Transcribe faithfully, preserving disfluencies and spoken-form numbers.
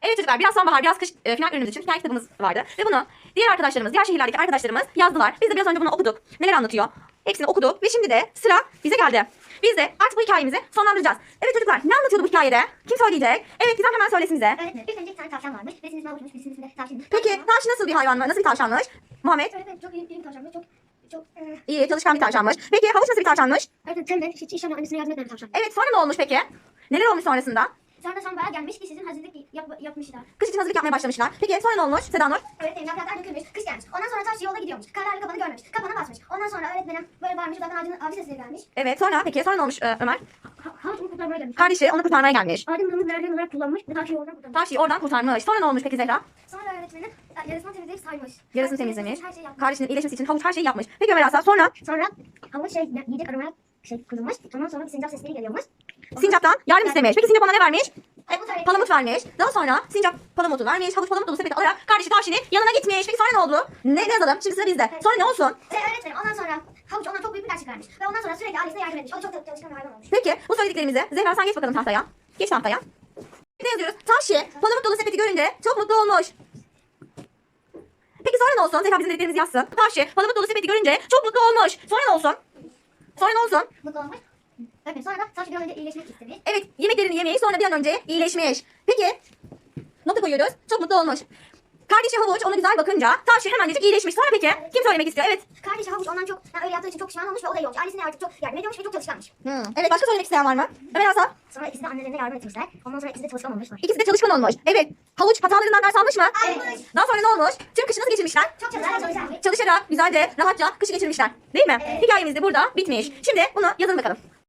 Evet çocuklar, biraz sonbahar, biraz kış e, final ürünümüz için hikaye kitabımız vardı. Ve bunu diğer arkadaşlarımız, diğer şehirlerdeki arkadaşlarımız yazdılar. Biz de biraz önce bunu okuduk. Neler anlatıyor? Hepsini okuduk ve şimdi de sıra bize geldi. Biz de artık bu hikayemizi sonlandıracağız. Evet çocuklar, ne anlatıyordu bu hikayede? Kim söyleyecek? Evet, Gizem hemen söylesin bize. Öğretmenim, ilk önce bir tane tavşan varmış. Birisinin ismi havuçmuş, birisinin ismi de tavşanmış. Peki tavşan nasıl bir hayvan mı? Nasıl bir tavşanmış? Muhammed? Öğretmenim çok iyi bir tavşanmış. Çok çok e, İyi, çalışkan bir tavşanmış. Peki havuç nasıl bir tavşanmış? öğretmenim tembel, hiç iş yapmayan, annesine yardım etmeyen bir tavşan. Evet, sonra ne olmuş peki? Neler olmuş sonrasında? Sonra sonbahar gelmiş, kış için hazırlık yap, yapmışlar. Kış için hazırlık yapmaya başlamışlar. Peki sonra ne olmuş Seda Nur? Öğretmenim yapraklar dökülmüş, kış gelmiş. Ondan sonra taş yolda gidiyormuş. Kararlı kapanı görmemiş. Kapana basmış. Ondan sonra öğretmenim böyle bağırmış. Uzaktan ağacın avcı sesleri gelmiş. Evet, sonra peki sonra ne olmuş e, Ömer? Ha, havuç onu kurtarmaya gelmiş. Kardeşi onu kurtarmaya gelmiş. Ağacın bunu verdiğin olarak kullanmış ve taşı yoldan kurtarmış. Tavşiyi oradan kurtarmış. Sonra ne olmuş peki Zehra? Sonra öğretmenim e, yarısını temizleyip saymış. Yarısını Her- temizlemiş. Her şey yapmış. Kardeşinin iyileşmesi için havuç her şeyi yapmış. Peki Ömer Aslan sonra Sonra havuç şey yiyecek aramaya şey kurulmuş. Ondan sonra bir sincap sesleri geliyormuş. Sincap'tan yardım istemiş. Peki Sincap ona ne vermiş? Palamut öğretmenim. Palamut vermiş. Daha sonra Sincap palamutu vermiş. Havuç palamut dolu sepeti alarak kardeşi tavşinin yanına gitmiş. Peki sonra ne oldu? Ne, ne yazalım? Şimdi sıra bizde. Sonra ne olsun? Ve öğretmenim ondan sonra havuç ondan çok büyük bir ders çıkarmış. Ve ondan sonra sürekli ailesine yardım etmiş. O da çok çalışkan bir hayvan olmuş. Peki bu söylediklerimizi Zehra sen geç bakalım tahtaya. Geç tahtaya. Ne yazıyoruz? Tavşi palamut dolu sepeti görünce çok mutlu olmuş. Peki sonra ne olsun? Zehra bizim dediklerimizi yazsın. Tavşi palamut dolu sepeti görünce çok mutlu olmuş. Sonra ne olsun? Sonra ne olsun? Mutlu olmuş. Öğretmenim sonra da saçı bir an önce iyileşmek istemiş. Evet, yemeklerini yemeyi sonra bir an önce iyileşmiş. Peki, nota koyuyoruz. Çok mutlu olmuş. Kardeşi Havuç ona güzel bakınca Tavşi hemencecik iyileşmiş. Sonra peki, kim söylemek istiyor? Evet. Kardeşi havuç ondan çok yani öyle yaptığı için çok pişman olmuş ve o da iyi olmuş. Ailesine artık çok yardım ediyormuş ve çok çalışkanmış. Hmm. Evet, başka söylemek isteyen var mı? Ömer Hasan. Sonra ikisi de annelerine yardım etmişler. Ondan sonra ikisi de çalışkan olmuşlar. İkisi de çalışkan olmuş. Evet. Havuç hatalarından ders almış mı? Evet. Daha sonra ne olmuş? Tüm kışı nasıl geçirmişler? Çok çalışkan çalışkan. Çalışarak, güzelce, rahatça kışı geçirmişler. Değil mi? Evet. Hikayemiz de burada bitmiş. Şimdi bunu yazın bakalım.